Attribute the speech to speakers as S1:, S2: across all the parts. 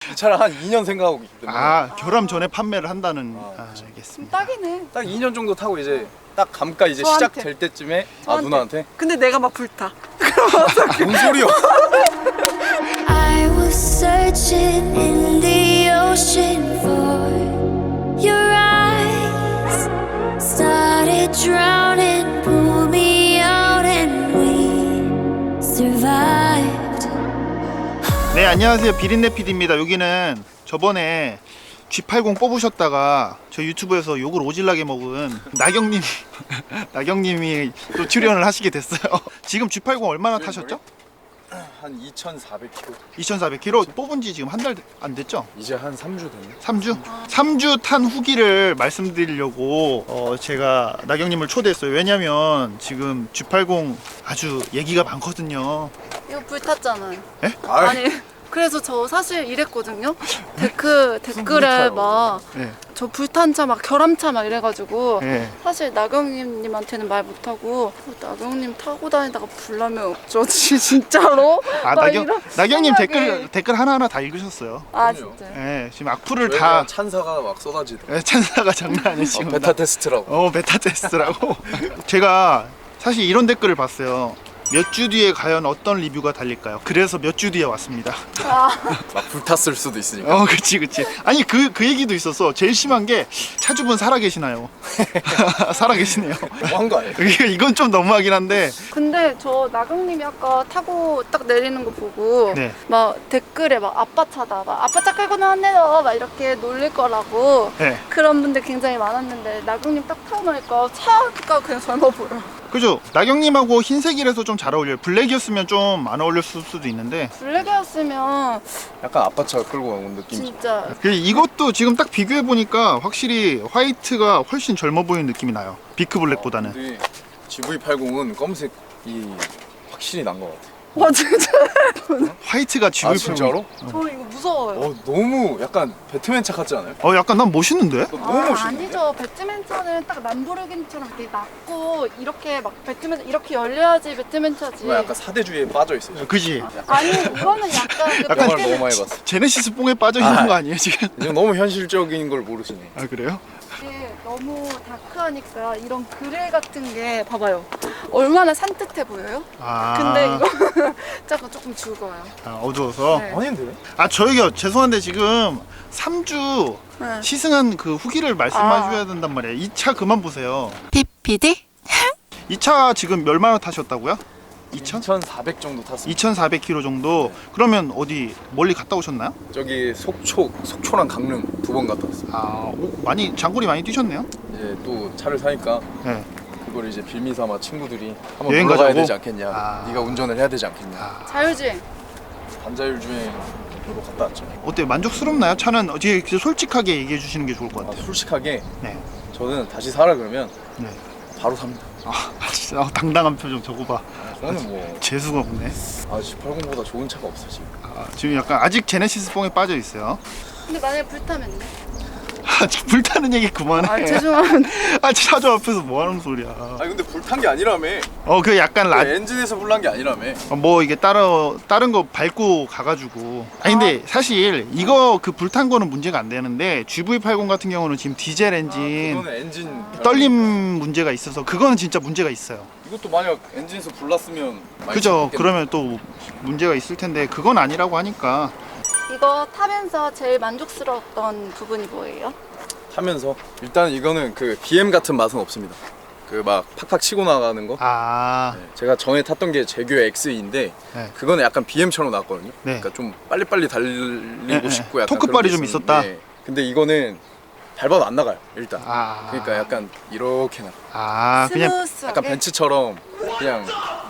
S1: 이 차를 한 2년 생각하고 있기 때문에.
S2: 아, 결함 전에 판매를 한다는. 알겠습니다.
S3: 딱이네.
S1: 딱 2년 정도 타고 이제 딱 감가 이제
S3: 저한테.
S1: 시작될 때쯤에
S3: 저한테.
S1: 누나한테
S3: 근데 내가 막 불타.
S1: 뭔 소리야?
S4: I was searching in the ocean for your eyes. Started drowning, pull me out, and we survived.
S2: 네, 안녕하세요. 비린내 PD입니다. 여기는 저번에 G80 뽑으셨다가 저 유튜브에서 욕을 오질나게 먹은 나경님 나경님이 또 출연을 하시게 됐어요. 지금 G80 얼마나 타셨죠?
S1: 한 2,400km.
S2: 2,400km 뽑은 지 지금 한 달 안 됐죠?
S1: 이제 한 3주 됐네.
S2: 3주? 3주 탄 후기를 말씀드리려고 제가 나경님을 초대했어요. 왜냐면 지금 G80 아주 얘기가 많거든요.
S3: 이거 불탔잖아요.
S2: 에?
S3: 아니 그래서 저 사실 이랬거든요. 댓글에 막 저
S2: 네.
S3: 불탄 차 막 결함차 막 이래가지고
S2: 네.
S3: 사실 나경님한테는 말 못하고 나경님 타고 다니다가 불나면 어쩌지 진짜로?
S2: 아,
S3: 막
S2: 나경님
S3: 생각이.
S2: 댓글 하나하나 다 읽으셨어요.
S3: 아
S1: 그럼요.
S3: 진짜.
S2: 네, 지금 악플을
S1: 저희가
S2: 다
S1: 찬사가 막 쏟아지더라고.
S2: 네, 찬사가 장난 아니에요 지금.
S1: 베타 테스트라고.
S2: 베타 테스트라고. 제가 사실 이런 댓글을 봤어요. 몇 주 뒤에 과연 어떤 리뷰가 달릴까요? 그래서 몇 주 뒤에 왔습니다.
S1: 막 불탔을 수도 있으니까.
S2: 그치. 아니 그 얘기도 있었어. 제일 심한 게 차주분 살아 계시나요? 살아 계시네요.
S1: 너무한 거 아니에요?
S2: 이건 좀 너무하긴 한데.
S3: 근데 저 나경님이 아까 타고 딱 내리는 거 보고
S2: 네.
S3: 막 댓글에 막 아빠 차다 막 아빠 차 끌고 나왔네요 막 이렇게 놀릴 거라고
S2: 네.
S3: 그런 분들 굉장히 많았는데 나경님 딱 타고 나니까 차가 그냥 젊어 보여.
S2: 그죠? 나경님하고 흰색이라서 좀 잘 어울려요. 블랙이었으면 좀 안 어울렸을 수도 있는데.
S3: 블랙이었으면
S1: 약간 아빠 차 끌고 온 느낌이죠.
S3: 진짜
S2: 이것도 지금 딱 비교해 보니까 확실히 화이트가 훨씬 젊어 보이는 느낌이 나요. 비크 블랙보다는.
S1: 근데 GV80은 검색이 확실히 난 것 같아.
S3: 와 진짜
S2: 화이트가 GV80.
S1: 진짜로?
S3: 저 이거 무서워요.
S1: 너무 약간 배트맨 차 같지 않아요?
S2: 약간 난 멋있는데?
S1: 너무 멋있는데?
S3: 아니죠. 배트맨 차는 딱 람보르기니처럼 이렇게 낮고 이렇게 막 배트맨 이렇게 열려야지 배트맨 차지.
S1: 정말 약간 사대주의에 빠져 있어요.
S2: 그지?
S3: 아니 이거는 약간 그
S2: 약간
S1: 영화를
S3: 배트맨-
S1: 너무 많이 봤어.
S2: 제네시스 뽕에 빠져 있는 거 아니에요 지금?
S1: 이제 너무 현실적인 걸 모르시네.
S2: 아 그래요?
S3: 이게 너무 다크하니까 이런 그레이 같은 게 봐봐요. 얼마나 산뜻해 보여요?
S2: 아.
S3: 근데 이거 잠깐 조금 죽어요.
S2: 어두워서.
S3: 네.
S1: 아닌데?
S2: 저희가 죄송한데 지금 3주
S3: 네.
S2: 시승한 그 후기를 말씀해줘야 된단 말이에요. 이 차 그만 보세요.
S3: PPD?
S2: 이 차 지금 얼마나 타셨다고요?
S1: 2,400 정도 탔어요.
S2: 2,400km 정도. 그러면 어디 멀리 갔다 오셨나요?
S1: 저기 속초랑 강릉 2번 갔다 왔어요.
S2: 많이 장거리 많이 뛰셨네요.
S1: 이제 또 차를 사니까
S2: 네.
S1: 그걸 이제 빌미삼아 친구들이 한번
S2: 여행
S1: 놀러 가야
S2: 가자고?
S1: 되지 않겠냐. 네가 운전을 해야 되지 않겠냐.
S3: 자율주행.
S1: 반자율 주행으로 갔다 왔죠.
S2: 어때요? 만족스럽나요? 차는 어떻게 솔직하게 얘기해 주시는 게 좋을 것 같아요.
S1: 솔직하게
S2: 네.
S1: 저는 다시 사라 그러면
S2: 네.
S1: 바로 삽니다.
S2: 진짜 당당한 표정 저거 봐.
S1: 저는 뭐
S2: 재수가 없네.
S1: G80보다 좋은 차가 없어 지금.
S2: 지금 약간 아직 제네시스 뽕에 빠져 있어요.
S3: 근데 만약에 불타면요?
S2: 지금 불타는 얘기 그만해.
S3: 아 죄송합니다.
S2: 차주 앞에서 뭐 하는 소리야.
S1: 아니 근데 불탄 게 아니라며.
S2: 그 약간
S1: 엔진에서 불난 게 아니라며.
S2: 뭐 이게 다른 거 밟고 가가지고. 근데 사실 이거 그 불탄 거는 문제가 안 되는데 GV80 같은 경우는 지금 디젤 엔진
S1: 그거는 엔진
S2: 떨림 문제가 있어서 그거는 진짜 문제가 있어요.
S1: 이것도 만약 엔진에서 불났으면 많이
S2: 그죠?
S1: 죽겠네.
S2: 그러면 또 문제가 있을 텐데 그건 아니라고 하니까.
S3: 이거 타면서 제일 만족스러웠던 부분이 뭐예요?
S1: 타면서 일단 이거는 그 BM 같은 맛은 없습니다. 그 막 팍팍 치고 나가는 거. 네, 제가 전에 탔던 게 제규 X인데
S2: 네.
S1: 그거는 약간 BM처럼 나왔거든요.
S2: 네.
S1: 그러니까 좀 빨리빨리 달리고
S2: 네,
S1: 싶고 약간
S2: 토크발이
S1: 그런 게
S2: 좀 있었다.
S1: 있었는데 근데 이거는 밟아도 안 나가요 일단.
S2: 아.
S1: 그러니까 약간 이렇게 나가.
S2: 그냥
S3: 스무스하게.
S1: 약간 벤츠처럼 그냥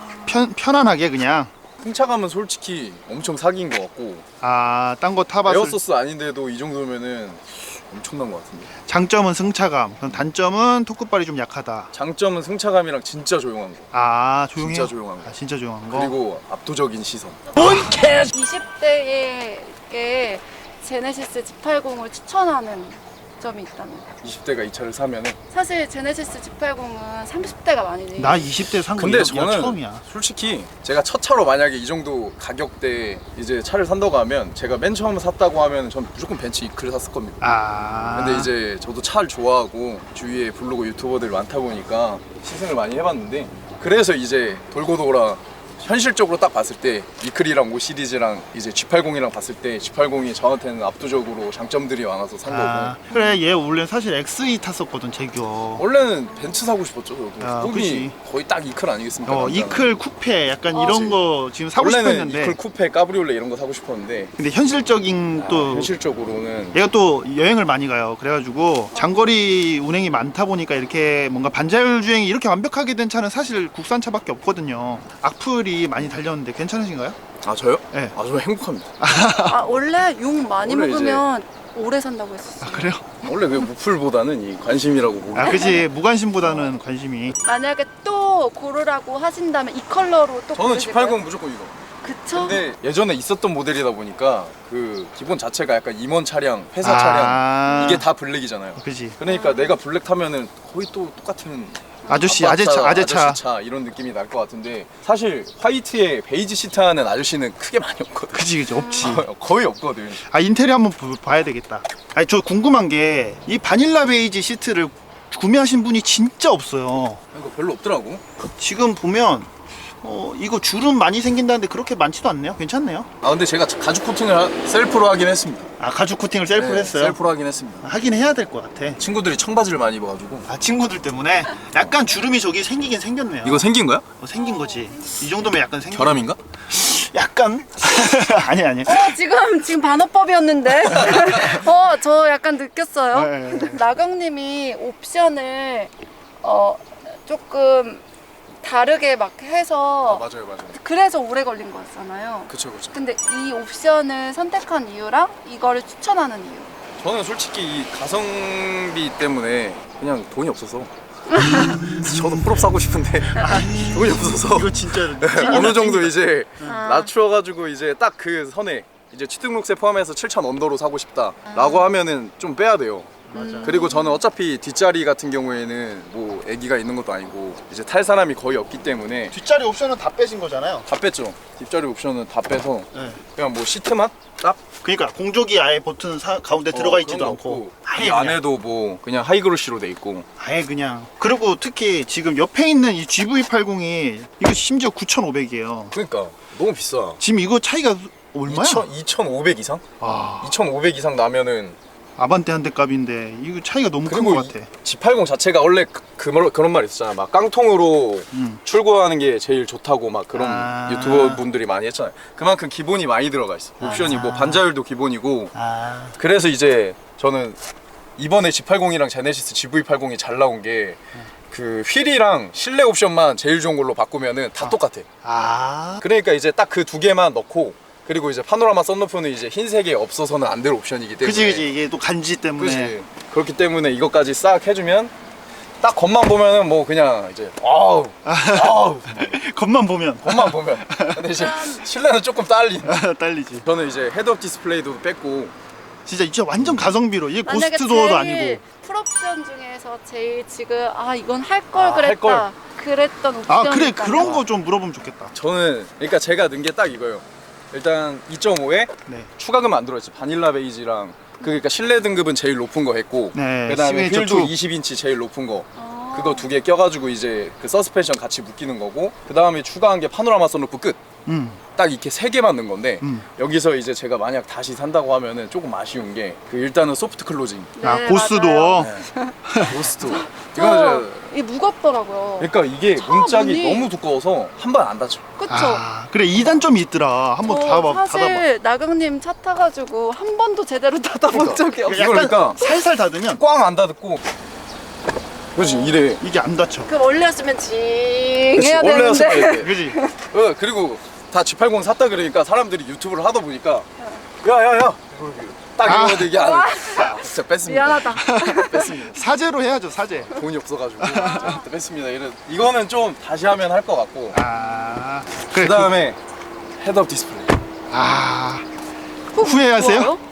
S2: 편안하게 그냥.
S1: 승차감은 솔직히 엄청 사기인 것 같고
S2: 딴 거 타봤을
S1: 에어소스 아닌데도 이 정도면은 엄청난 것 같은데.
S2: 장점은 승차감, 그럼 단점은 토크발이 좀 약하다.
S1: 장점은 승차감이랑 진짜 조용한 거.
S2: 조용해요?
S1: 진짜 조용한 거.
S2: 진짜 조용한 거.
S1: 그리고 압도적인 시선.
S3: 20대에게 제네시스 G80을 추천하는 장점이 있다면?
S1: 20대가 이 차를 사면은
S3: 사실 제네시스 G80은 30대가 많이
S2: 나 20대 산 거
S1: 근데
S2: 이거
S1: 저는
S2: 처음이야.
S1: 솔직히 제가 첫 차로 만약에 이 정도 가격대 이제 차를 산다고 하면 제가 맨 처음 샀다고 하면 전 무조건 벤츠 이클을 샀을 겁니다.
S2: 아.
S1: 근데 이제 저도 차를 좋아하고 주위에 블로그 유튜버들이 많다 보니까 시승을 많이 해봤는데 그래서 이제 돌고 돌아 현실적으로 딱 봤을 때 이클이랑 5 시리즈랑 이제 G80이랑 봤을 때 G80이 저한테는 압도적으로 장점들이 많아서 산 거고
S2: 그래 얘 원래 사실 XE 탔었거든 제규어.
S1: 원래는 벤츠 사고 싶었죠 저도.
S2: 아,
S1: 꿈이
S2: 그치.
S1: 거의 딱 이클 아니겠습니까? 남자는.
S2: 이클 쿠페 약간
S3: 어,
S2: 이런 거 지금 사고
S1: 원래는
S2: 싶었는데
S1: 이클 쿠페 까브리올레 이런 거 사고 싶었는데
S2: 근데 현실적인 또
S1: 현실적으로는
S2: 얘가 또 여행을 많이 가요. 그래가지고 장거리 운행이 많다 보니까 이렇게 뭔가 반자율 주행이 이렇게 완벽하게 된 차는 사실 국산차밖에 없거든요. 악플이 많이 달렸는데 괜찮으신가요?
S1: 아 저요?
S2: 네.
S1: 아 저는 행복합니다.
S3: 아 원래 욕 많이
S1: 원래
S3: 먹으면 오래 산다고 했었어요.
S2: 아 그래요?
S1: 원래 그 무풀보다는 이 관심이라고 보고
S2: 아 그지 무관심보다는 관심이.
S3: 만약에 또 고르라고 하신다면 이 컬러로 또
S1: 저는
S3: 고르실 거예요?
S1: G80 무조건 이거.
S3: 그쵸?
S1: 근데 예전에 있었던 모델이다 보니까 그 기본 자체가 약간 임원 차량, 회사
S2: 아.
S1: 차량 이게 다 블랙이잖아요.
S2: 그지.
S1: 그러니까 내가 블랙 타면은 거의 또 똑같은
S2: 아저씨
S1: 아빠
S2: 아재차.
S1: 아저씨 차 이런 느낌이 날 것 같은데 사실 화이트에 베이지 시트 하는 아저씨는 크게 많이 없거든.
S2: 그지 없지.
S1: 거의 없거든.
S2: 아 인테리어 한번 봐야 되겠다. 아니 저 궁금한 게 이 바닐라 베이지 시트를 구매하신 분이 진짜 없어요.
S1: 이거 별로 없더라고.
S2: 지금 보면 이거 주름 많이 생긴다는데 그렇게 많지도 않네요. 괜찮네요.
S1: 아 근데 제가 가죽 코팅을 셀프로 하긴 했습니다.
S2: 아 가죽 코팅을 셀프로
S1: 네,
S2: 했어요?
S1: 셀프로 하긴 했습니다.
S2: 하긴 해야 될 것 같아.
S1: 친구들이 청바지를 많이 입어가지고.
S2: 아 친구들 때문에 약간 주름이 저기 생기긴 생겼네요.
S1: 이거 생긴 거야?
S2: 생긴 거지. 이 정도면 약간 생긴.
S1: 결함인가?
S2: 약간 아니.
S3: 지금 반어법이었는데 저 약간 느꼈어요.
S2: 네.
S3: 나경님이 옵션을 조금 다르게 막 해서
S1: 맞아요.
S3: 그래서 오래 걸린 거였잖아요.
S1: 그쵸.
S3: 근데 이 옵션을 선택한 이유랑 이거를 추천하는 이유.
S1: 저는 솔직히 이 가성비 때문에 그냥 돈이 없어서 저도 풀업 사고 싶은데 돈이 없어서
S2: 이거 진짜
S1: 어느 정도 이제
S3: 아.
S1: 낮추어가지고 이제 딱 그 선에 이제 취등록세 포함해서 7,000 언더로 사고 싶다라고 하면은 좀 빼야 돼요.
S2: 맞아.
S1: 그리고 저는 어차피 뒷자리 같은 경우에는 뭐 애기가 있는 것도 아니고 이제 탈 사람이 거의 없기 때문에
S2: 뒷자리 옵션은 다 빼신 거잖아요.
S1: 다 뺐죠. 뒷자리 옵션은 다 빼서
S2: 네.
S1: 그냥 뭐 시트만 딱
S2: 그러니까 공조기 아예 버튼 가운데 들어가 있지도
S1: 그런 거
S2: 않고
S1: 없고,
S2: 아예
S1: 이
S2: 그냥,
S1: 안에도 뭐 그냥 하이그로시로 돼 있고
S2: 아예 그냥. 그리고 특히 지금 옆에 있는 이 GV80이 이거 심지어 9,500이에요.
S1: 그러니까 너무 비싸.
S2: 지금 이거 차이가 얼마야?
S1: 2,500 이상?
S2: 아,
S1: 2,500 이상 나면은
S2: 아반떼 한 대 값인데 이거 차이가 너무 큰
S1: 그리고
S2: 것 같아.
S1: G80 자체가 원래 그런 말 있었잖아. 막 깡통으로 출고하는 게 제일 좋다고 막 그런
S2: 아.
S1: 유튜버 분들이 많이 했잖아요. 그만큼 기본이 많이 들어가 있어. 옵션이 뭐 반자율도 기본이고.
S2: 아,
S1: 그래서 이제 저는 이번에 G80이랑 제네시스 GV80이 잘 나온 게 그 휠이랑 실내 옵션만 제일 좋은 걸로 바꾸면은 다 똑같아. 그러니까 이제 딱 그 두 개만 넣고 그리고 이제 파노라마 썬루프는 이제 흰색에 없어서는 안 될 옵션이기 때문에.
S2: 그지 이게 또 간지 때문에.
S1: 그치. 그렇기 때문에 이것까지 싹 해주면 딱 겉만 보면은 뭐 그냥 이제 아우
S2: 겉만 보면
S1: 겉만 보면. 근데 이제 실내는 조금 딸린.
S2: 딸리지.
S1: 저는 이제 헤드업 디스플레이도 뺐고
S2: 진짜 완전 가성비로 이게
S3: 만약에
S2: 고스트 도어도
S3: 제일
S2: 아니고.
S3: 풀옵션 중에서 제일 지금 이건 할 걸
S1: 할
S3: 그랬다
S1: 걸.
S3: 그랬던 옵션.
S2: 아 그래 그런 거 좀 물어보면 좋겠다.
S1: 저는 그러니까 제가 넣은 게 딱 이거예요. 일단 2.5에
S2: 네.
S1: 추가금 안 들어있어. 바닐라 베이지랑 그러니까 실내 등급은 제일 높은 거 했고
S2: 네,
S1: 그다음에
S2: 시그니처
S1: 휠도
S2: 2.
S1: 20인치 제일 높은 거 그거 두 개 껴가지고 이제 그 서스펜션 같이 묶이는 거고 그다음에 추가한 게 파노라마 선루프 끝. 딱 이렇게 세 개만 넣은 건데 여기서 이제 제가 만약 다시 산다고 하면은 조금 아쉬운 게 그 일단은 소프트 클로징
S3: 네,
S2: 고스트
S3: 맞아요.
S2: 도어.
S1: 고스트 이거는
S3: 이 무겁더라고요.
S1: 그러니까 이게 문짝이
S3: 문이-
S1: 너무 두꺼워서 한 번 안 닫혀.
S3: 그쵸?
S2: 그래 이 단점이 있더라. 한번 닫아봐.
S3: 사실 나경님 차 타가지고 한 번도 제대로 닫아본 적이 없어요.
S1: 이걸 그러니까
S2: 살살 닫으면
S1: 꽝 안 닫고 그렇지 이래.
S2: 이게 안 닫혀.
S3: 그 원래였으면 징
S1: 그치,
S3: 해야
S1: 원래였을
S3: 되는데
S1: 때.
S2: 그지?
S1: 그리고 다 G80 샀다 그러니까 사람들이 유튜브를 하다 보니까 야야야 딱 이러는데 이게 안 진짜 뺐습니다.
S3: 미안하다.
S1: 뺐습니다.
S2: 사제로 해야죠 사제.
S1: 돈이 없어가지고 진짜 뺐습니다. 이거는 좀 다시 하면 할 것 같고
S2: 그래
S1: 그 다음에 헤드업 디스플레이.
S2: 후회하세요?
S3: 좋아요?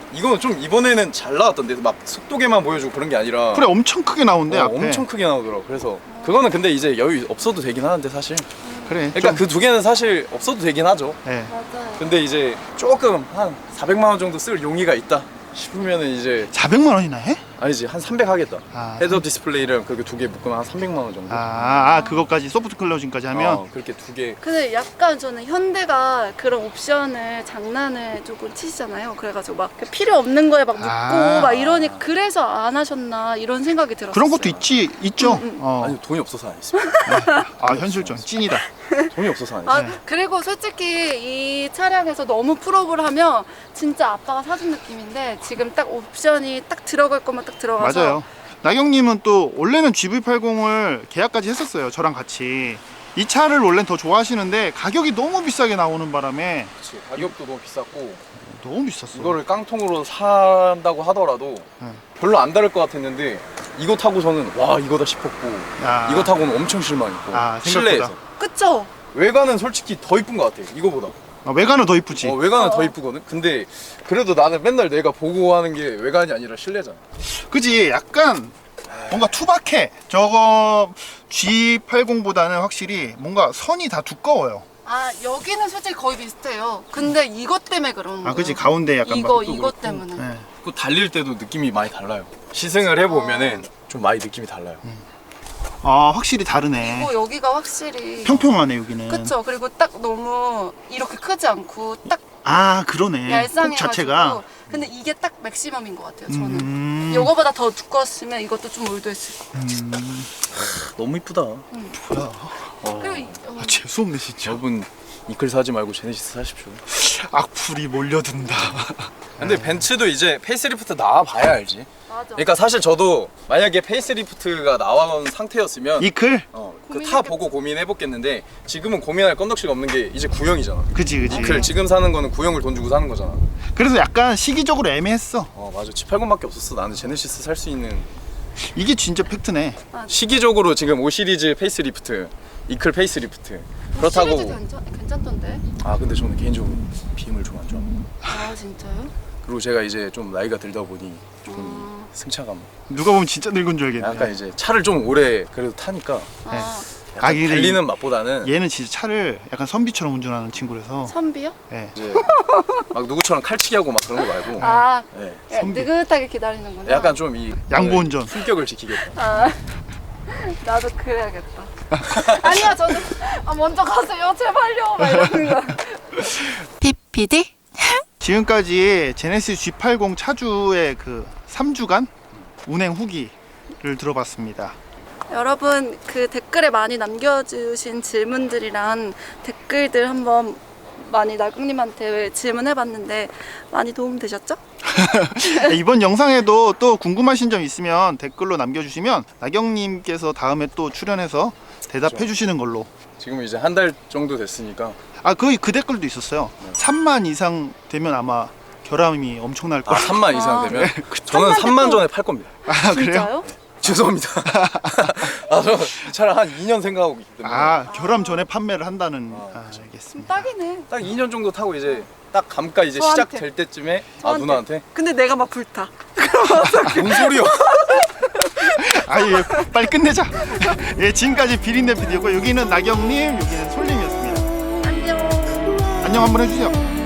S1: 이거는 좀 이번에는 잘 나왔던데 막 속도계만 보여주고 그런 게 아니라
S2: 그래 엄청 크게 나오는데 앞에.
S1: 엄청 크게 나오더라고. 그래서 그거는 근데 이제 여유 없어도 되긴 하는데 사실.
S2: 그래.
S1: 그러니까 그 두 개는 사실 없어도 되긴 하죠.
S2: 네.
S3: 맞아요.
S1: 근데 이제 조금 한 400만 원 정도 쓸 용의가 있다 싶으면은 이제
S2: 400만 원이나 해?
S1: 아니지 한 300 하겠다.
S2: 아,
S1: 헤드업 디스플레이랑 그렇게 두 개 묶으면 한 300만 원 정도.
S2: 그것까지 소프트 클로징까지 하면
S1: 그렇게 두 개.
S3: 근데 약간 저는 현대가 그런 옵션을 장난을 조금 치시잖아요. 그래가지고 막 필요 없는 거에 막 묻고 막 이러니 그래서 안 하셨나 이런 생각이 들었어요.
S2: 그런 것도 있죠.
S1: 아니 돈이 없어서 안 했습니다.
S2: 현실적 찐이다.
S1: 돈이 없어서 안 했어요.
S3: 그리고 솔직히 이 차량에서 너무 풀업을 하면 진짜 아빠가 사준 느낌인데 지금 딱 옵션이 딱 들어갈 것만 딱 들어가서
S2: 맞아요. 나경님은 또 원래는 GV80을 계약까지 했었어요. 저랑 같이. 이 차를 원래는 더 좋아하시는데 가격이 너무 비싸게 나오는 바람에
S1: 그치, 가격도 너무 비쌌고
S2: 너무 비쌌어.
S1: 이거를 깡통으로 산다고 하더라도 별로 안 다를 것 같았는데 이거 타고 저는 와 이거다 싶었고 이거 타고는 엄청 실망했고
S2: 생각보다.
S1: 실내에서
S3: 그쵸?
S1: 외관은 솔직히 더 이쁜 것 같아 이거보다.
S2: 외관은 더 이쁘지.
S1: 외관은 더 이쁘거든. 근데 그래도 나는 맨날 내가 보고 하는 게 외관이 아니라 실내잖아.
S2: 그지? 약간 뭔가 투박해. 저거 G80보다는 확실히 뭔가 선이 다 두꺼워요.
S3: 여기는 솔직히 거의 비슷해요. 근데 이것 때문에 그런 거예요.
S2: 그지? 가운데 약간
S3: 이것 때문에.
S2: 네.
S1: 그 달릴 때도 느낌이 많이 달라요. 시승을 해보면은 좀 많이 느낌이 달라요.
S2: 확실히 다르네.
S3: 그리고 여기가 확실히
S2: 평평하네 여기는.
S3: 그쵸. 그리고 딱 너무 이렇게 크지 않고 딱
S2: 그러네. 꼭
S3: 얄쌍해가지고.
S2: 자체가.
S3: 근데 이게 딱 맥시멈인 것 같아요. 저는. 이거보다 더 두꺼웠으면 이것도 좀 올드했을 것 같아요.
S1: 너무 이쁘다.
S2: 뭐야?
S3: 그리고
S2: 재수없네 진짜.
S1: 여러분 이클 사지 말고 제네시스 사십시오.
S2: 악플이 몰려든다.
S1: 근데 벤츠도 이제 페이스리프트 나와봐야 알지.
S3: 맞아.
S1: 그러니까 사실 저도 만약에 페이스리프트가 나온 상태였으면
S2: 이클?
S1: 타 보고 고민해봤겠는데 지금은 고민할 건덕지가 없는 게 이제 구형이잖아.
S2: 그지.
S1: 이클 지금 사는 거는 구형을 돈 주고 사는 거잖아.
S2: 그래서 약간 시기적으로 애매했어.
S1: 맞아. G80밖에 없었어. 나는 제네시스 살 수 있는.
S2: 이게 진짜 팩트네.
S1: 시기적으로 지금 5 시리즈 페이스리프트, 이클 페이스리프트. 그렇다고.
S3: 시리즈 괜찮던데.
S1: 근데 저는 개인적으로 BM을 좀 안 좋아합니다.
S3: 진짜요?
S1: 그리고 제가 이제 좀 나이가 들다 보니 좀 승차감.
S2: 누가 보면 진짜 늙은 줄 알겠네.
S1: 약간 이제 차를 좀 오래 그래도 타니까 약간
S2: 근데
S1: 달리는 맛보다는
S2: 얘는 진짜 차를 약간 선비처럼 운전하는 친구라서.
S3: 선비요?
S2: 네.
S1: 이제 막 누구처럼 칼치기 하고 막 그런 거 말고 네.
S3: 느긋하게 기다리는구나.
S1: 약간 좀 이
S2: 양보 운전.
S1: 품격을 지키겠다.
S3: 나도 그래야겠다. 아니야, 저는 먼저 가세요, 제발요. 막 이러는 거. PPD?
S2: 지금까지 제네시스 G80 차주의 그 3주간 운행 후기를 들어봤습니다.
S3: 여러분 그 댓글에 많이 남겨주신 질문들이랑 댓글들 한번 많이 나경님한테 질문해봤는데 많이 도움되셨죠?
S2: 이번 영상에도 또 궁금하신 점 있으면 댓글로 남겨주시면 나경님께서 다음에 또 출연해서 대답해 주시는 걸로.
S1: 지금 이제 한 달 정도 됐으니까.
S2: 그 댓글도 있었어요. 3만 이상 되면 아마 결함이 엄청날 거예요.
S1: 3만 이상 되면?
S2: 그쵸.
S1: 저는 3만 전에 팔 겁니다.
S2: 그래요?
S3: 진짜요?
S1: 죄송합니다. 저 이 차를 한 2년 생각하고 있기 때문에.
S2: 결함 전에 판매를 한다는. 알겠습니다.
S3: 딱이네.
S1: 딱 2년 정도 타고 이제 딱 감가 이제
S3: 저한테.
S1: 시작될 때쯤에
S3: 저한테.
S1: 누나한테
S3: 근데 내가 막 불타.
S1: 뭔 소리야?
S2: 예, 빨리 끝내자. 예, 지금까지 비린내 PD였고 여기는 나경님, 여기는 솔님이었습니다.
S3: 안녕.
S2: 안녕 한번 해주세요.